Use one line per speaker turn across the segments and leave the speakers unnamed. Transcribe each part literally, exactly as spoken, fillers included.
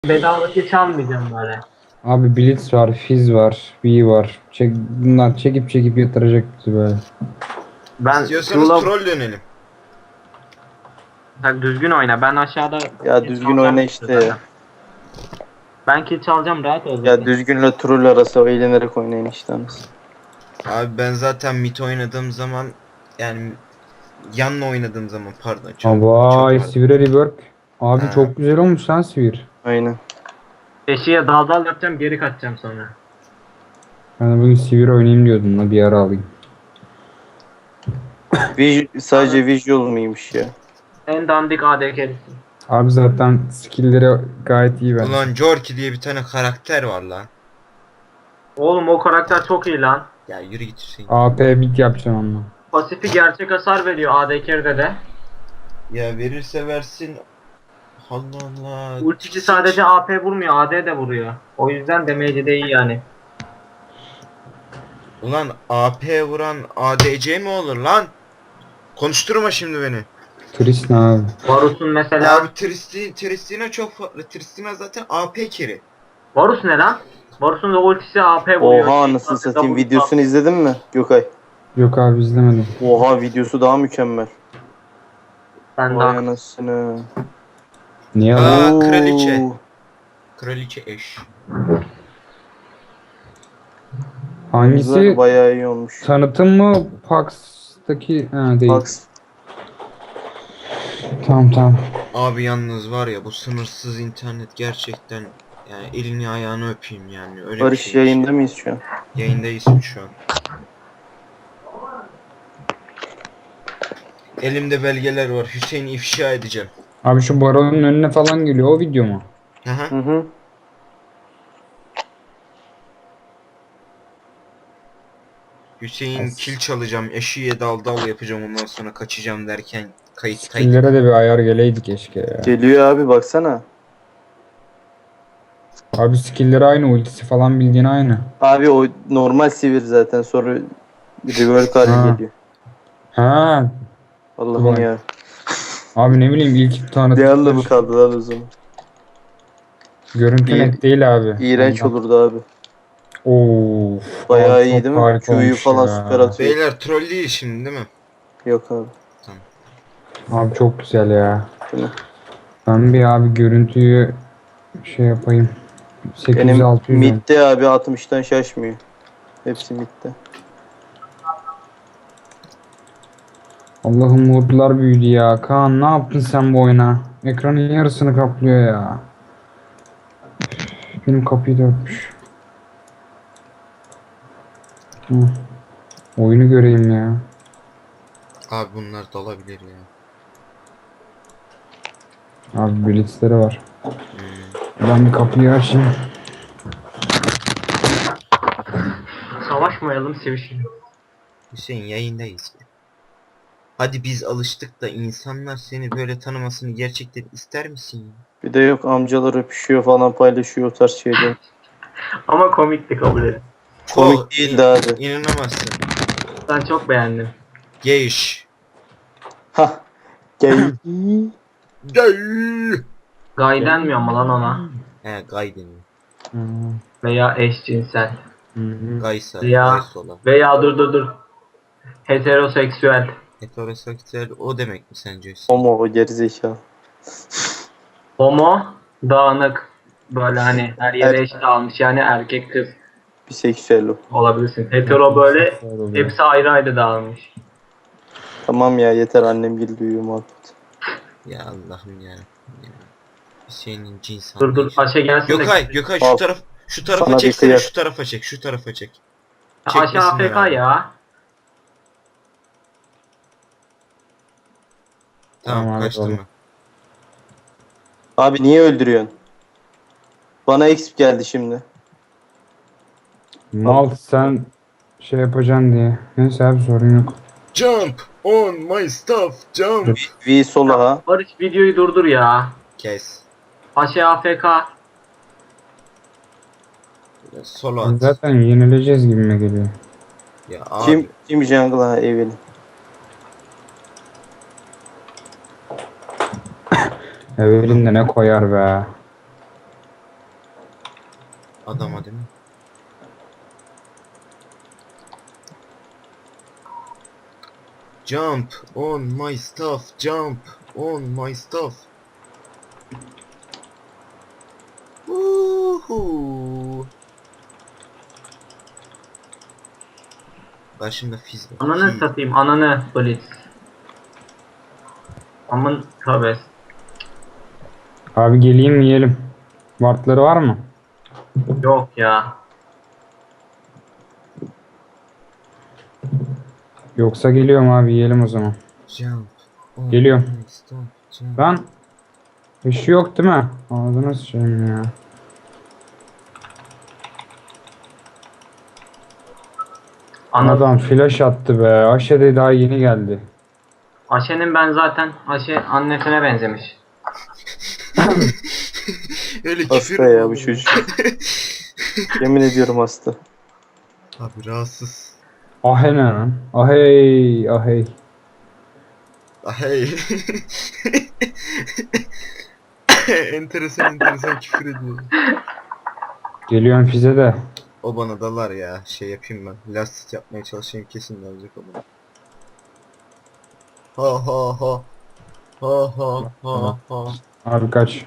Bedava hiç almayacağım böyle.
Abi Blitz var, Fizz var, V var. Çek, bunlar çekip çekip yatıracak bizi böyle.
Ben
İstiyorsanız
Q'la
troll dönelim.
Sen düzgün oyna. Ben aşağıda
Ya
kill
düzgün
çalacağım
oyna
işte
işte ya.
zaten. Ben kill çalacağım, rahat ol
Ya
zaten.
düzgünle troll arası eğlenerek oynayın işte anasını.
Abi ben zaten mid oynadığım zaman yani yanla oynadığım zaman pardon çok,
Aa,
çok
vay
pardon.
Sivir'e rework. Abi
Ha.
çok güzel olmuş lan Sivir.
Aynen.
Eşiğe dal dal yapacağım, geri kaçacağım sonra.
Ben de bugün Sivir oynayayım diyordum da bir ara alayım.
Vis- sadece visual mıymış ya?
En dandik A D K'lisin.
Abi zaten skill'leri gayet iyi bence.
Ulan Jorki diye bir tane karakter var lan.
Oğlum o karakter çok iyi lan.
Ya yürü git Hüseyin.
A P bit yapacaksın onunla.
Pasifi gerçek hasar veriyor A D K'de de.
Ya verirse versin. Allah Allah.
Ultisi sadece A P vurmuyor, A D de vuruyor. O yüzden damage'i de iyi yani.
Ulan A P vuran A D C mi olur lan? Konuşturma şimdi beni.
Tristan abi.
Varus'un mesela...
Abi Tristina, Tristina çok farklı. Tristina zaten A P keri.
Varus ne lan? Varus'un da ultisi A P vuruyor.
Oha anasını satayım, videosunu izledin mi Gökay?
Yok abi izlemedim.
Oha videosu daha mükemmel.
Ben
Vay
daha...
anasını.
Niye
Aa,
lan?
Oo.
kraliçe. Kraliçe eş.
Hangisi?
Güzel, bayağı iyi olmuş.
Tanıtım mı? Pax'taki? Ha değil.
Bak
Tamam tamam.
Abi yalnız var ya bu sınırsız internet gerçekten yani elini ayağını öpeyim yani öyle bir
Barış
şey.
yayında mıyız şu an?
Yayındayız şu an. Elimde belgeler var. Hüseyin'i ifşa edeceğim.
Abi şu baronun önüne falan geliyor o video mu?
Hı hı.
Hı hı.
Hüseyin kil çalacağım, eşiğe dal dal yapacağım ondan sonra kaçacağım derken kayıttaydı.
Skill'lere de bir ayar geleydi keşke ya.
Geliyor abi baksana.
Abi skill'leri aynı, ultisi falan bildiğin aynı.
Abi o normal sivir zaten, sonra rework hali
Ha.
geliyor.
Ha.
Allah'ım
Vay.
ya.
Abi ne bileyim ilk tanıtım.
Ne anlamı kaldı lan o zaman?
Görüntü
İyi-
net değil abi.
İğrenç
Ondan.
olurdu abi.
Of.
Bayağı
abi
iyi
çok
değil mi?
harika
Q'yu
olmuş
falan
ya.
süper atıyor.
Beyler troll değil şimdi değil mi?
Yok abi.
Abi çok güzel ya.
Değil mi?
Ben bir abi görüntüyü şey yapayım. sekiz yüz
Benim
altı yüz.
midde abi altmıştan şaşmıyor. Hepsi midde.
Allah'ım modlar büyüdü ya. Kaan ne yaptın sen bu oyuna? Ekranın yarısını kaplıyor ya. Üf, benim kapıyı da öpmüş. Hı. Oyunu göreyim ya.
Abi bunlar dalabilir ya.
Abi blitzleri var.
Hmm.
Ben bir kapıyı açayım.
Savaşmayalım, sevişelim.
Hüseyin yayındayız. Hadi biz alıştık da insanlar seni böyle tanımasını gerçekten ister misin ya?
Bir de yok, amcalar öpüşüyor falan, paylaşıyor o tarz şeyler.
Ama komikti, kabul edin.
Komik
Çok
değildi abi.
İnanamazsın.
Ben çok beğendim.
Geyş.
Hah. Gel.
Gay.
Gay denmiyor mu lan ona?
He gay deniyor.
Hı
Veya eşcinsel.
hı.
Gaysa.
Ya.
Gaysola.
Veya dur dur dur. Heteroseksüel.
Heteroseksüel o demek mi sence Hüseyin?
Homo o gerizekalı.
Homo, dağınık. Böyle hani her yere
Evet.
eşit almış, yani erkek kız
Biseksüel o.
olabilirsin. Hetero böyle hepsi ayrı ayrı dağılmış.
Tamam ya, yeter, annem gibi duyuyor muhabbet.
Ya Allah'ım ya. ya. Hüseyin'in cins
Dur dur
anlayışı.
Aşe gelsin de.
Gökay, Gökay şu
Al.
taraf şu tarafa
Sana bir
çeksene,
kıyak.
şu tarafa çek, şu tarafa çek.
Aşe
Çekmesinler
A F K
abi.
ya.
Tamam,
Tamam abi,
kaçtım
olur.
ben.
Abi niye öldürüyorsun? Bana exp geldi şimdi.
Mal sen şey yapacaksın diye. Neyse abi sorun yok.
Jump on my stuff, jump.
V sola ha.
Barış videoyu durdur ya.
Kes.
Aşe A F K.
Solo at.
Zaten yenileceğiz gibime geliyor.
Ya abi.
Kim kim jungle ha, Evelyn.
Evelyn de ne koyar be.
Adama değil mi? Jump on my stuff, jump on my stuff. Uhu. Karşımda fiz var.
Ananı
Fiz.
satayım, ananı Blitz. Amın tövbe.
Abi geleyim yiyelim. Wartları var mı?
Yok ya.
Yoksa geliyorum abi yiyelim o zaman.
Jump on
Geliyorum.
my stuff, jump.
Lan bir şey yok değil mi? Ağzına sıçayım ya.
Ana,
Adam flash attı be. Aşe de daha yeni geldi.
Aşe'nin ben zaten Aşe annesine benzemiş.
Öyle küfür
Hasta
mü
ya bu
olur
çocuk. Yemin ediyorum hasta.
Abi rahatsız.
Ahe ne lan? Ahey ahey.
Ah, hey. enteresan enteresan küfür ediyor.
Geliyorum fize de.
O bana dalar ya. Şey yapayım ben. Lastik yapmaya çalışayım, kesin dalayacak o bana. Ha ha ha. Ha ha ha ha.
Abi kaç.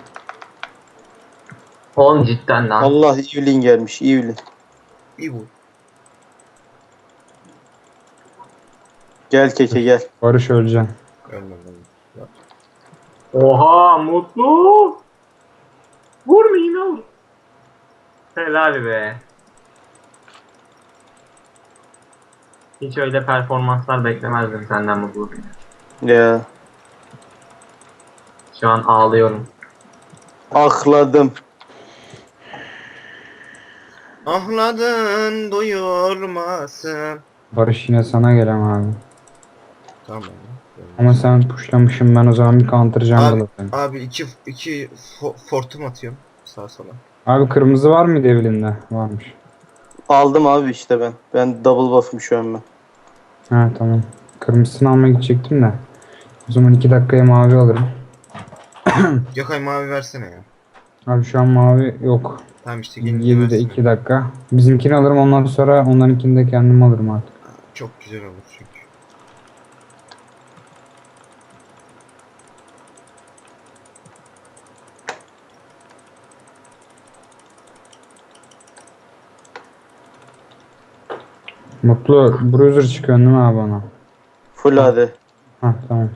Oğlum cidden lan.
Allah Evelyn gelmiş Evelyn.
Bir vur.
Gel keke gel.
Barış öleceksin.
Ölmem ölmem. Ya.
Oha mutlu. Vurmayayım ya. Helal be. Hiç öyle performanslar beklemezdim senden Mutlu.
Ya.
Şu an ağlıyorum.
Akladım.
Ahladın doyurmasın.
Barış yine sana gelem abi.
Tamam.
Ama sen pushlamışım, ben o zaman bir counter
Abi,
jungle atarım.
abi iki iki fo fortum atıyorum sağa sola.
Abi kırmızı var mıydı Evelyn'de? Varmış.
Aldım abi işte ben. Ben double buff'ım şu an ben.
Ha tamam. Kırmızısını almaya gidecektim de. O zaman iki dakikaya mavi alırım.
Gökay mavi versene ya.
Abi şu an mavi yok.
Tamam işte gelince
yedide
versene.
iki dakika. Bizimkini alırım, ondan sonra onlarınkini de kendim alırım artık.
Çok güzel olur çünkü.
Mutlu bruiser çıkıyor değil mi abi ona?
Full hadi.
Ha tamam.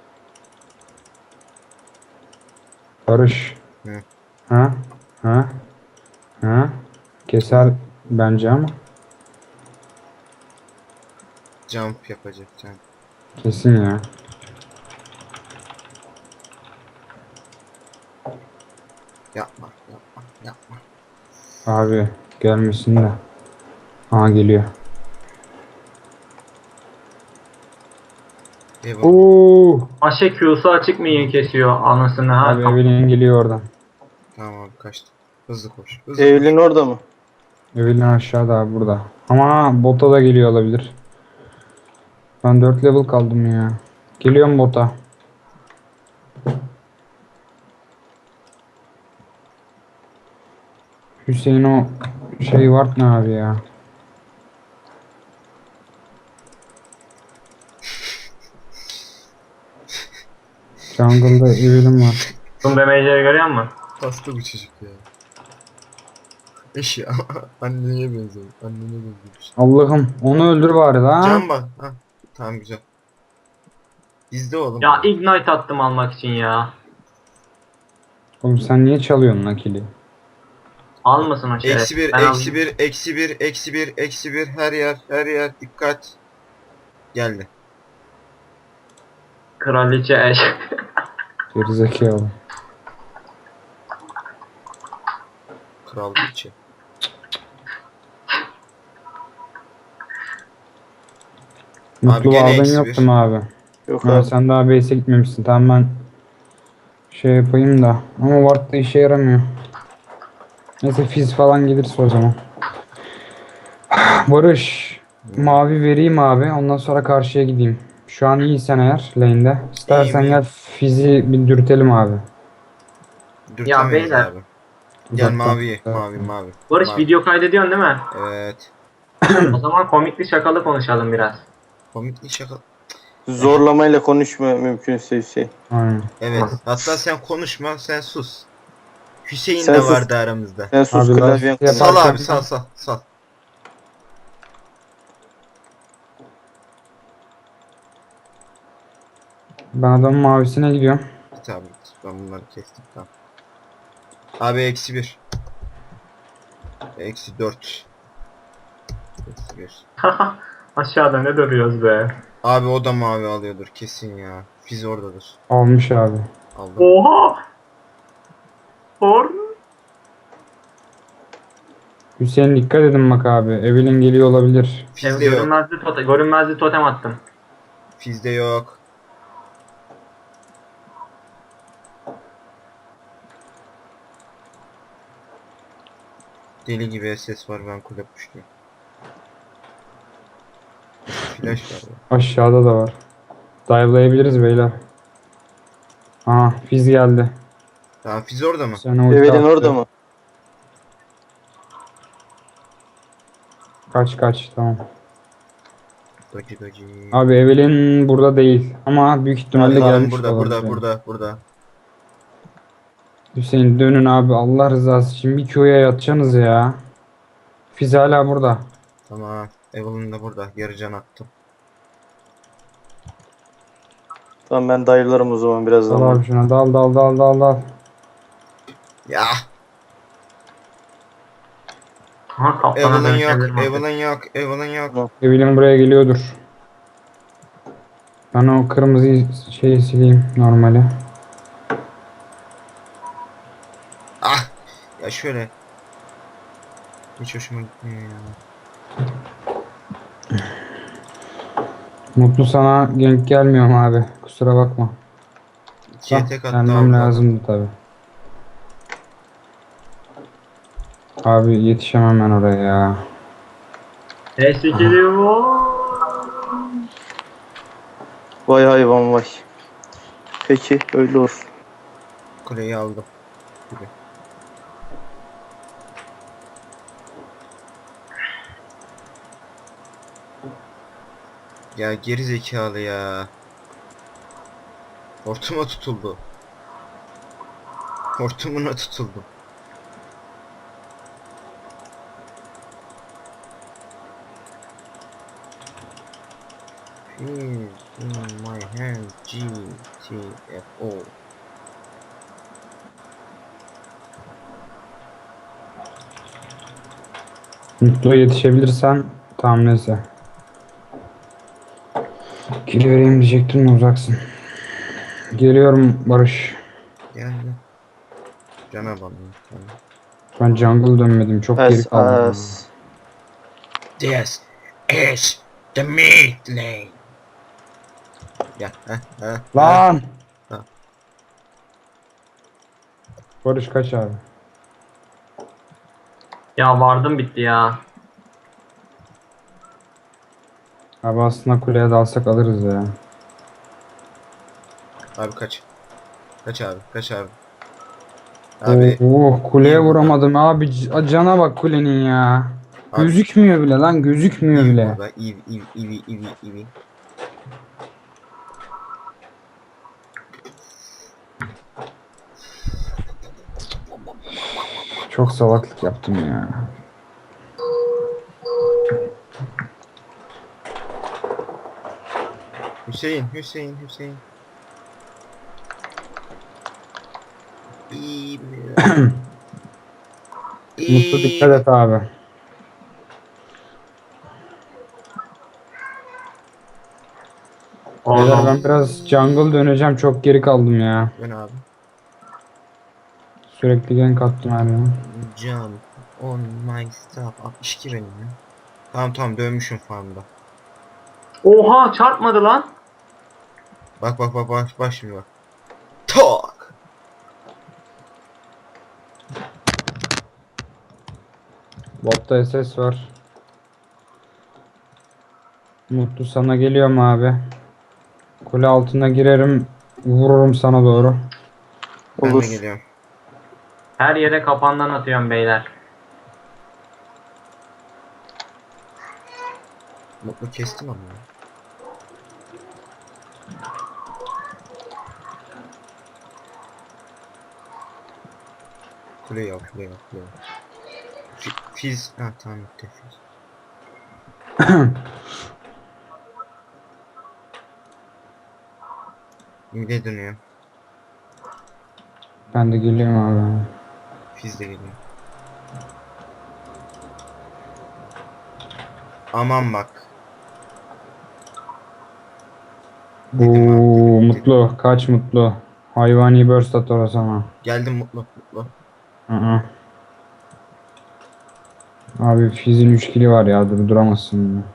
Barış.
Hı.
Ha? Ha? Ha? Keser bence ama.
Jump yapacak jump.
Kesin ya.
Yapma yapma yapma.
Abi gelmesin de. Ha geliyor.
Eyvallah.
Oo!
Aşe Q'su açık mı iyi kesiyor anasını ha.
Abi Evelyn geliyor oradan.
Tamam abi kaçtım. Hızlı koş. Hızlı
Evelyn orada mı?
Evelyn aşağıda abi burada. Ama bota da geliyor olabilir. Ben dört level kaldım ya. Geliyorum bota. Hüseyin o şey var ne abi ya? Jungle'da Evelyn var.
Bunun damage'leri görüyor musun?
koş. Hasta bu çocuk ya. Eş ya. Anneye benziyor. Annene benziyor.
Allah'ım onu öldür bari lan.
Can bak. Ha. Tamam güzel. İzle oğlum.
Ya ignite attım almak için ya.
Oğlum sen niye çalıyorsun nakili?
Almasın o şeref.
Eksi bir,
Ben
eksi
alayım.
bir, eksi bir, eksi bir, eksi bir, her yer, her yer, dikkat. Geldi.
Kraliçe eş.
Gerizekalı.
Kral içi.
Mutlu
gene
aldın
eksi
yoktu
bir.
mu abi?
Yok
Ha,
abi.
sen daha base'e gitmemişsin. Tamam ben şey yapayım da. Ama ward da işe yaramıyor. Neyse fiz falan gelirse o zaman. Barış. Mavi vereyim abi. Ondan sonra karşıya gideyim. Şu an iyisen eğer lane'de. İstersen
İyiyim,
gel fizi bir dürtelim abi.
Dürtemeyiz
beyler.
abi. Gel
Uzaktan.
mavi, mavi, mavi.
Barış
mavi.
video kaydediyorsun değil mi?
Evet.
O zaman komikli şakalı konuşalım biraz.
Komikli şaka.
Zorlamayla konuşma mümkünse Hüseyin.
Aynen.
Evet. Hatta sen konuşma, sen sus. Hüseyin
Sen
de
sus.
vardı aramızda.
Sen sus
Abi
klavyen
lastik
konuş.
Sal
yaparken-
abi, sal sal sal.
Ben adamın mavisine gidiyorum.
Git abi git. Ben bunları kestim tamam. Abi eksi bir. Eksi dört. Eksi bir.
Aşağıda ne duruyoruz be?
Abi o da mavi alıyordur kesin ya. Fiz oradadır.
Almış abi.
Aldım.
Oha! Or.
Hüseyin dikkat edin bak abi. Evelyn geliyor olabilir.
Fizde yok.
Görünmezli totem, görünmezli totem attım.
Fizde yok. Deli gibi ses var, ben kule puştum. Flash var ya.
Aşağıda da var. Dive'layabiliriz beyler. Aha Fizz geldi.
Tamam Fiz orada mı?
Sen ulti
Evelyn
attı.
orada mı?
Kaç kaç tamam.
Gacı gacı.
Abi Evelyn burada değil. Ama büyük ihtimalle
Abi,
gelmiş
burada
olabilir.
burada burada burada.
Hüseyin dönün abi Allah rızası için bir Q'ya yatacaksınız ya. Fizz hala burada.
Tamam. Evelyn de burada. Yarı can attım.
Tamam ben dayılarım o zaman
Dal
birazdan.
abi şuna dal dal dal dal dal.
Ya.
Ha kaptana
Evelyn yok.
dönüşebilirim artık.
Evelyn yok. Evelyn yok.
Tamam.
Evelyn buraya geliyordur. Ben o kırmızı şeyi sileyim normali.
Ah. Ya şöyle. Hiç hoşuma gitmiyor ya.
Mutlu sana gank gelmiyorum abi. Kusura bakma.
İkiye
Hah,
tek attı
gelmem
abi.
lazımdı tabi. Abi yetişemem ben oraya ya.
Eski geliyor.
Vay hayvan vay. Peki öyle olur.
Kuleyi aldım. Gibi. Ya geri zekalı ya. Hortuma tutuldu. Hortumuna tutuldu. Is in my hand G T F O.
Mutlu'ya yetişebilirsen tamam neyse. Geri vereyim diyecektim de uzaksın. Geliyorum Barış.
Geldi. Cana bana.
Ben jungle dönmedim çok geri
As
kaldım.
as.
This is the mid lane. Ya heh heh.
Lan!
Ha.
Barış kaç abi?
Ya vardım bitti ya.
Abi aslında kuleye dalsak alırız ya.
Abi kaç. Kaç abi kaç abi. Abi
Oh kuleye vuramadım abi. C- Cana bak kulenin ya.
Abi.
Gözükmüyor bile lan gözükmüyor
iyi
bile.
burada. İyi iyi iyi iyi iyi.
Çok salaklık yaptım ya.
Hüseyin Hüseyin Hüseyin. İyi mi?
Mutlu dikkat et abi. Beyler
Oğlum.
ben biraz jungle döneceğim çok geri kaldım ya.
Ben abi.
Sürekli gank attım her yana.
Jump on my stuff. altmış iki benim ya. Tamam tamam dönmüşüm farmda.
Oha çarpmadı lan.
Bak bak bak bak bak şimdi bak. Tak.
Botta S S var. Mutlu sana geliyorum abi. Kule altına girerim. Vururum sana doğru.
Ben
Olur.
de geliyorum.
Her yere kapandan atıyorum beyler.
Mutlu kestim ama. Kule yap, kule yap, kule yap. Fi- Fiz, ha tamam bitti fiz. Mide dönüyor.
Ben de geliyorum abi.
Fiz de geliyor. Aman bak. Dedim abi,
Oo,
dedim, dedim.
mutlu. Kaç mutlu. Hayvani burst at orasana.
Geldim mutlu, mutlu.
Hı hı. Abi Fizz'in üç kili var ya, durduramazsın bunu.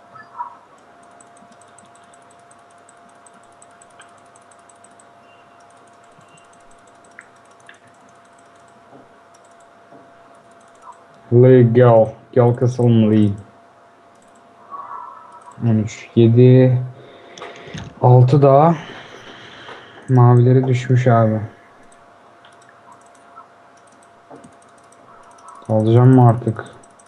Lee gel. Gel kısalım Lee. on üç, yedi, altı daha. Mavileri düşmüş abi. Alacağım mı artık?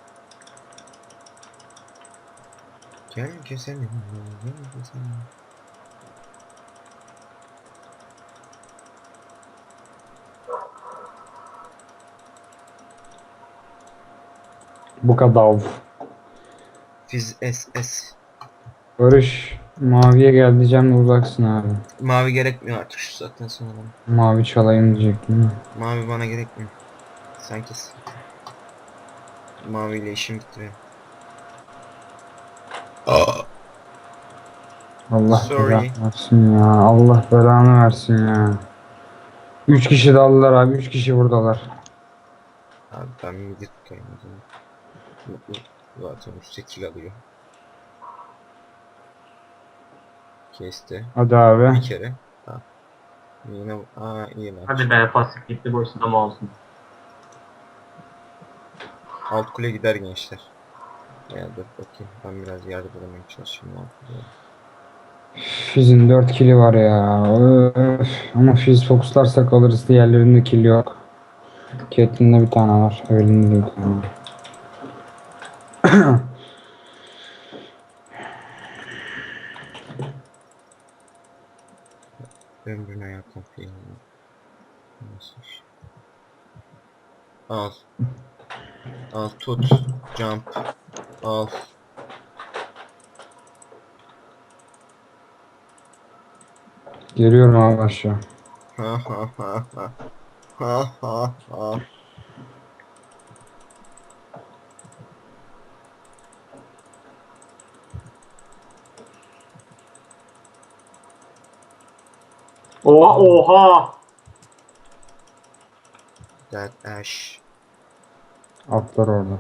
Gel keselim. Gel keselim.
Bu kadar.
Fiz S S.
Barış maviye gel diyeceğim de uzaksın abi.
Mavi gerekmiyor artık şu saatten sonra.
Mavi çalayım diyecektim.
Mavi bana gerekmiyor. Sen kes. Maviyle işim bitti benim.
Allah
Sorry.
belanı versin ya. Allah belanı versin ya. Üç kişi daldılar abi. Üç kişi buradalar.
Abi ben midi tutayım o zaman. Mutlu zaten üstte kill alıyor. Kesti.
Hadi abi.
Bir kere. Ha. Yine aa iyi lan.
Hadi be, pasif gitti boşuna mı olsun.
Alt kule gider gençler. Ya dur bakayım. Ben biraz yardım etmeye çalışayım. Ne yapacağım?
Fizz'in dört kili var ya. Öf. Ama Fizz fokuslarsak alırız. Diğerlerinde kill yok. Catelyn'de bir tane var. Evelyn'de de bir tane var.
Ömrüne yakın film. Nasıl iş? Al. Al tut. Jump. Al.
Geliyorum abi aşağı.
Ha ha ha ha. Ha ha ha.
Oha oha.
That ash.
Atlar orada.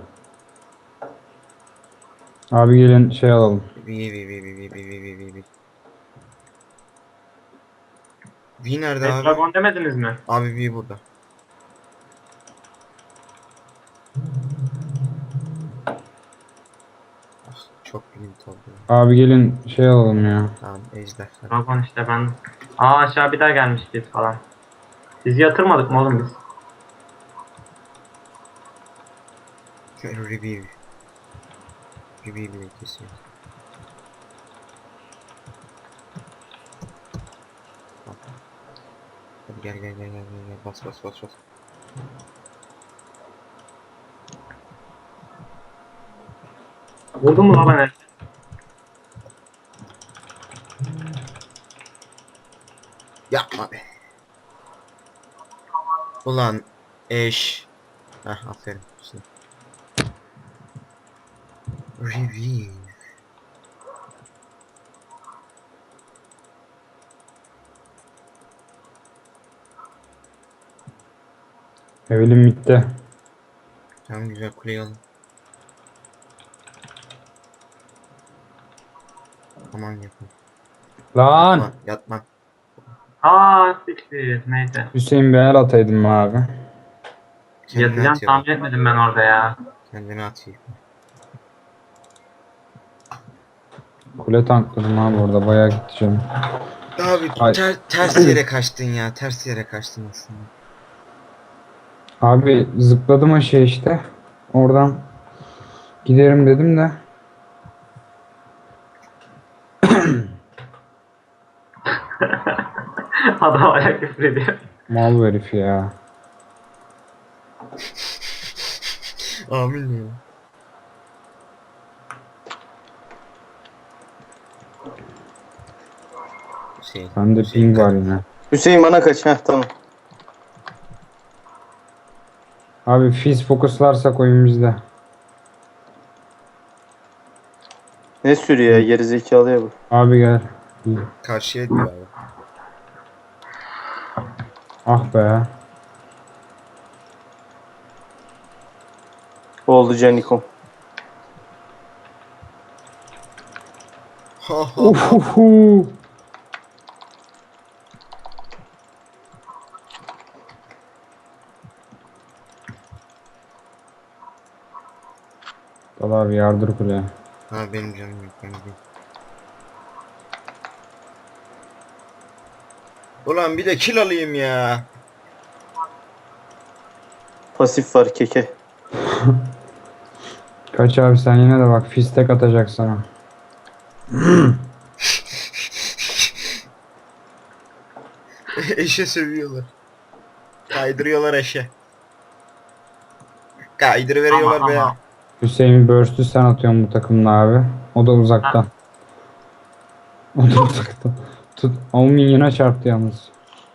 Abi gelin şey alalım.
Vi vi vi vi vi vi vi vi vi vi. Vi nerede abi?
Dragon demediniz mi?
Abi Vi burada. Ah, çok limit oldu.
Abi gelin şey alalım ya.
Tamam ejder. Hadi.
Dragon işte ben. Aa, aşağı bir daha gelmiştik falan. Sizi yatırmadık mı oğlum biz?
Review. Review bile kesiyor. Hadi gel gel gel gel gel gel bas bas bas bas.
Vurdun mu lan ben?
Yapma be. Ulan eş. Heh aferin. Şimdi. Review.
Evelyn bitti.
Tamam güzel kuleyi alın. Aman yapın.
Lan!
Yatma, yatma.
Aa, siktir. Neyse.
Hüseyin bir el ataydım abi.
Kendini
Yatacağım
at ya.
tahmin etmedim ben orada ya.
Kendini at iyi.
Kule tankladım abi orada. Bayağı gitti canım.
Abi
Ay.
ter, ters yere kaçtın ya. Ters yere kaçtın aslında.
Abi zıpladım aşağı işte. Oradan giderim dedim de.
Adam ayak küfür ediyor.
Mal herif ya.
Amin ya. Hüseyin.
Bende
Hüseyin
ping
kaç-
var yine.
Hüseyin bana kaç. Heh tamam.
Abi fiz fokuslarsak oyun bizde.
Ne sürüyor ya gerizekalıya bu.
Abi gel.
Karşıya diyor abi.
Ah be.
Oldu Canikom.
Ha ha.
Uhuhu. Dal abi yardır kuleye.
Ha benim canım yok. Benim değil. Ulan bir de kill alayım ya.
Pasif var keke.
Kaç abi sen yine de bak fiz tek atacak sana.
Eşe sövüyorlar. Kaydırıyorlar eşe. Kaydırıveriyorlar
Ama,
be ya.
ama.
Hüseyin Burst'ü sen atıyorsun bu takımla abi. O da uzaktan. O da uzaktan. Tut. O minyona çarptı yalnız.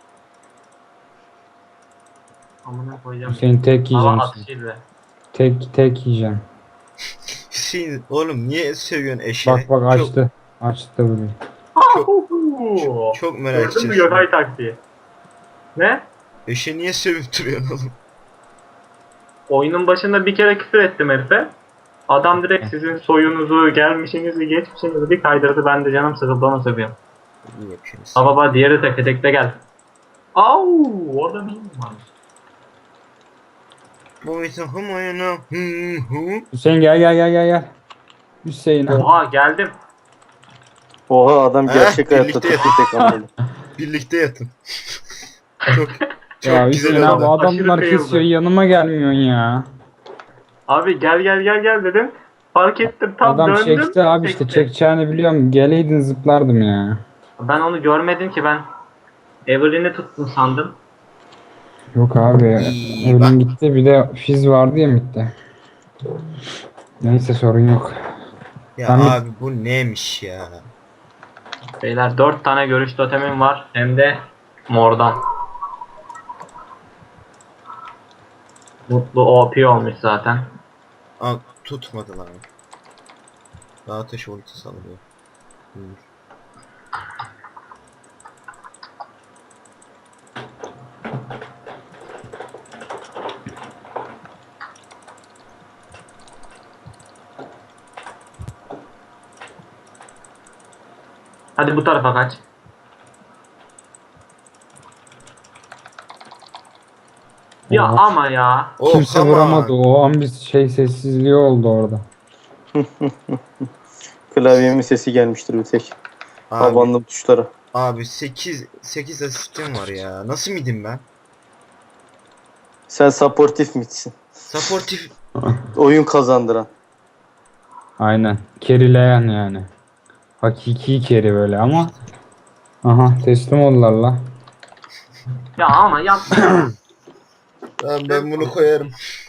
Amına koyacağım.
Hüseyin tek
Hava
yiyeceksin.
atışıyla.
Tek tek yiyeceksin.
Hüseyin oğlum niye sövüyorsun eşe?
Bak bak açtı. Açtı da burayı.
Çok,
Çok merak
Gördün mü
ediyorum.
Gökay taktiği? Ne?
Eşe niye sövüp duruyorsun oğlum?
Oyunun başında bir kere küfür ettim herife. Adam direkt sizin soyunuzu, gelmişinizi, geçmişinizi bir kaydırdı. Ben de canım sıkıldı ona sövüyorum.
İyi yapıyorsunuz.
Ha baba diğeri tek tekte gel. Au, orada bir mi varmış?
Bu için humayana hı hı.
Hüseyin gel gel gel gel gel. Hüseyin abi.
Oha geldim.
Oha adam
Heh,
gerçek hayatta
birlikte
tek tek anladı.
Birlikte yatın. çok çok
Ya
güzel
Hüseyin abi
oldu.
Aşırı
adamlar
kıyıldı.
kesiyor yanıma gelmiyorsun ya.
Abi gel gel gel gel dedim. Fark ettim tam
Adam
döndüm.
çekti abi işte
çekti.
çekeceğini biliyorum. Geleydin zıplardım ya.
Ben onu görmedim ki ben. Evelyn'i tuttum sandım.
Yok abi.
İyi,
Ölüm
bak.
gitti bir de fiz vardı ya midde. Neyse sorun yok.
Ya
Ben-
abi bu neymiş ya?
Beyler dört tane görüş totemim var. Hem de mordan. Mutlu O P olmuş zaten.
Aa, tutmadı lan. Daha ateş ulti salıyor. Buyur.
Hadi bu tarafa kaç. Ya
Oha.
ama ya.
Oh,
Kimse
come on.
vuramadı. O an bir şey sessizliği oldu orada.
Klavyemin sesi gelmiştir bir tek.
Abi,
Abandım tuşlara.
abi sekiz sekiz asistim var ya. Nasıl midim ben?
Sen supportif mitsin.
Supportif
Oyun kazandıran.
Aynen. Kerileyen yani. Hakiki keri böyle ama. Aha teslim oldular la.
Ya ama yapma.
ben, ben bunu koyarım.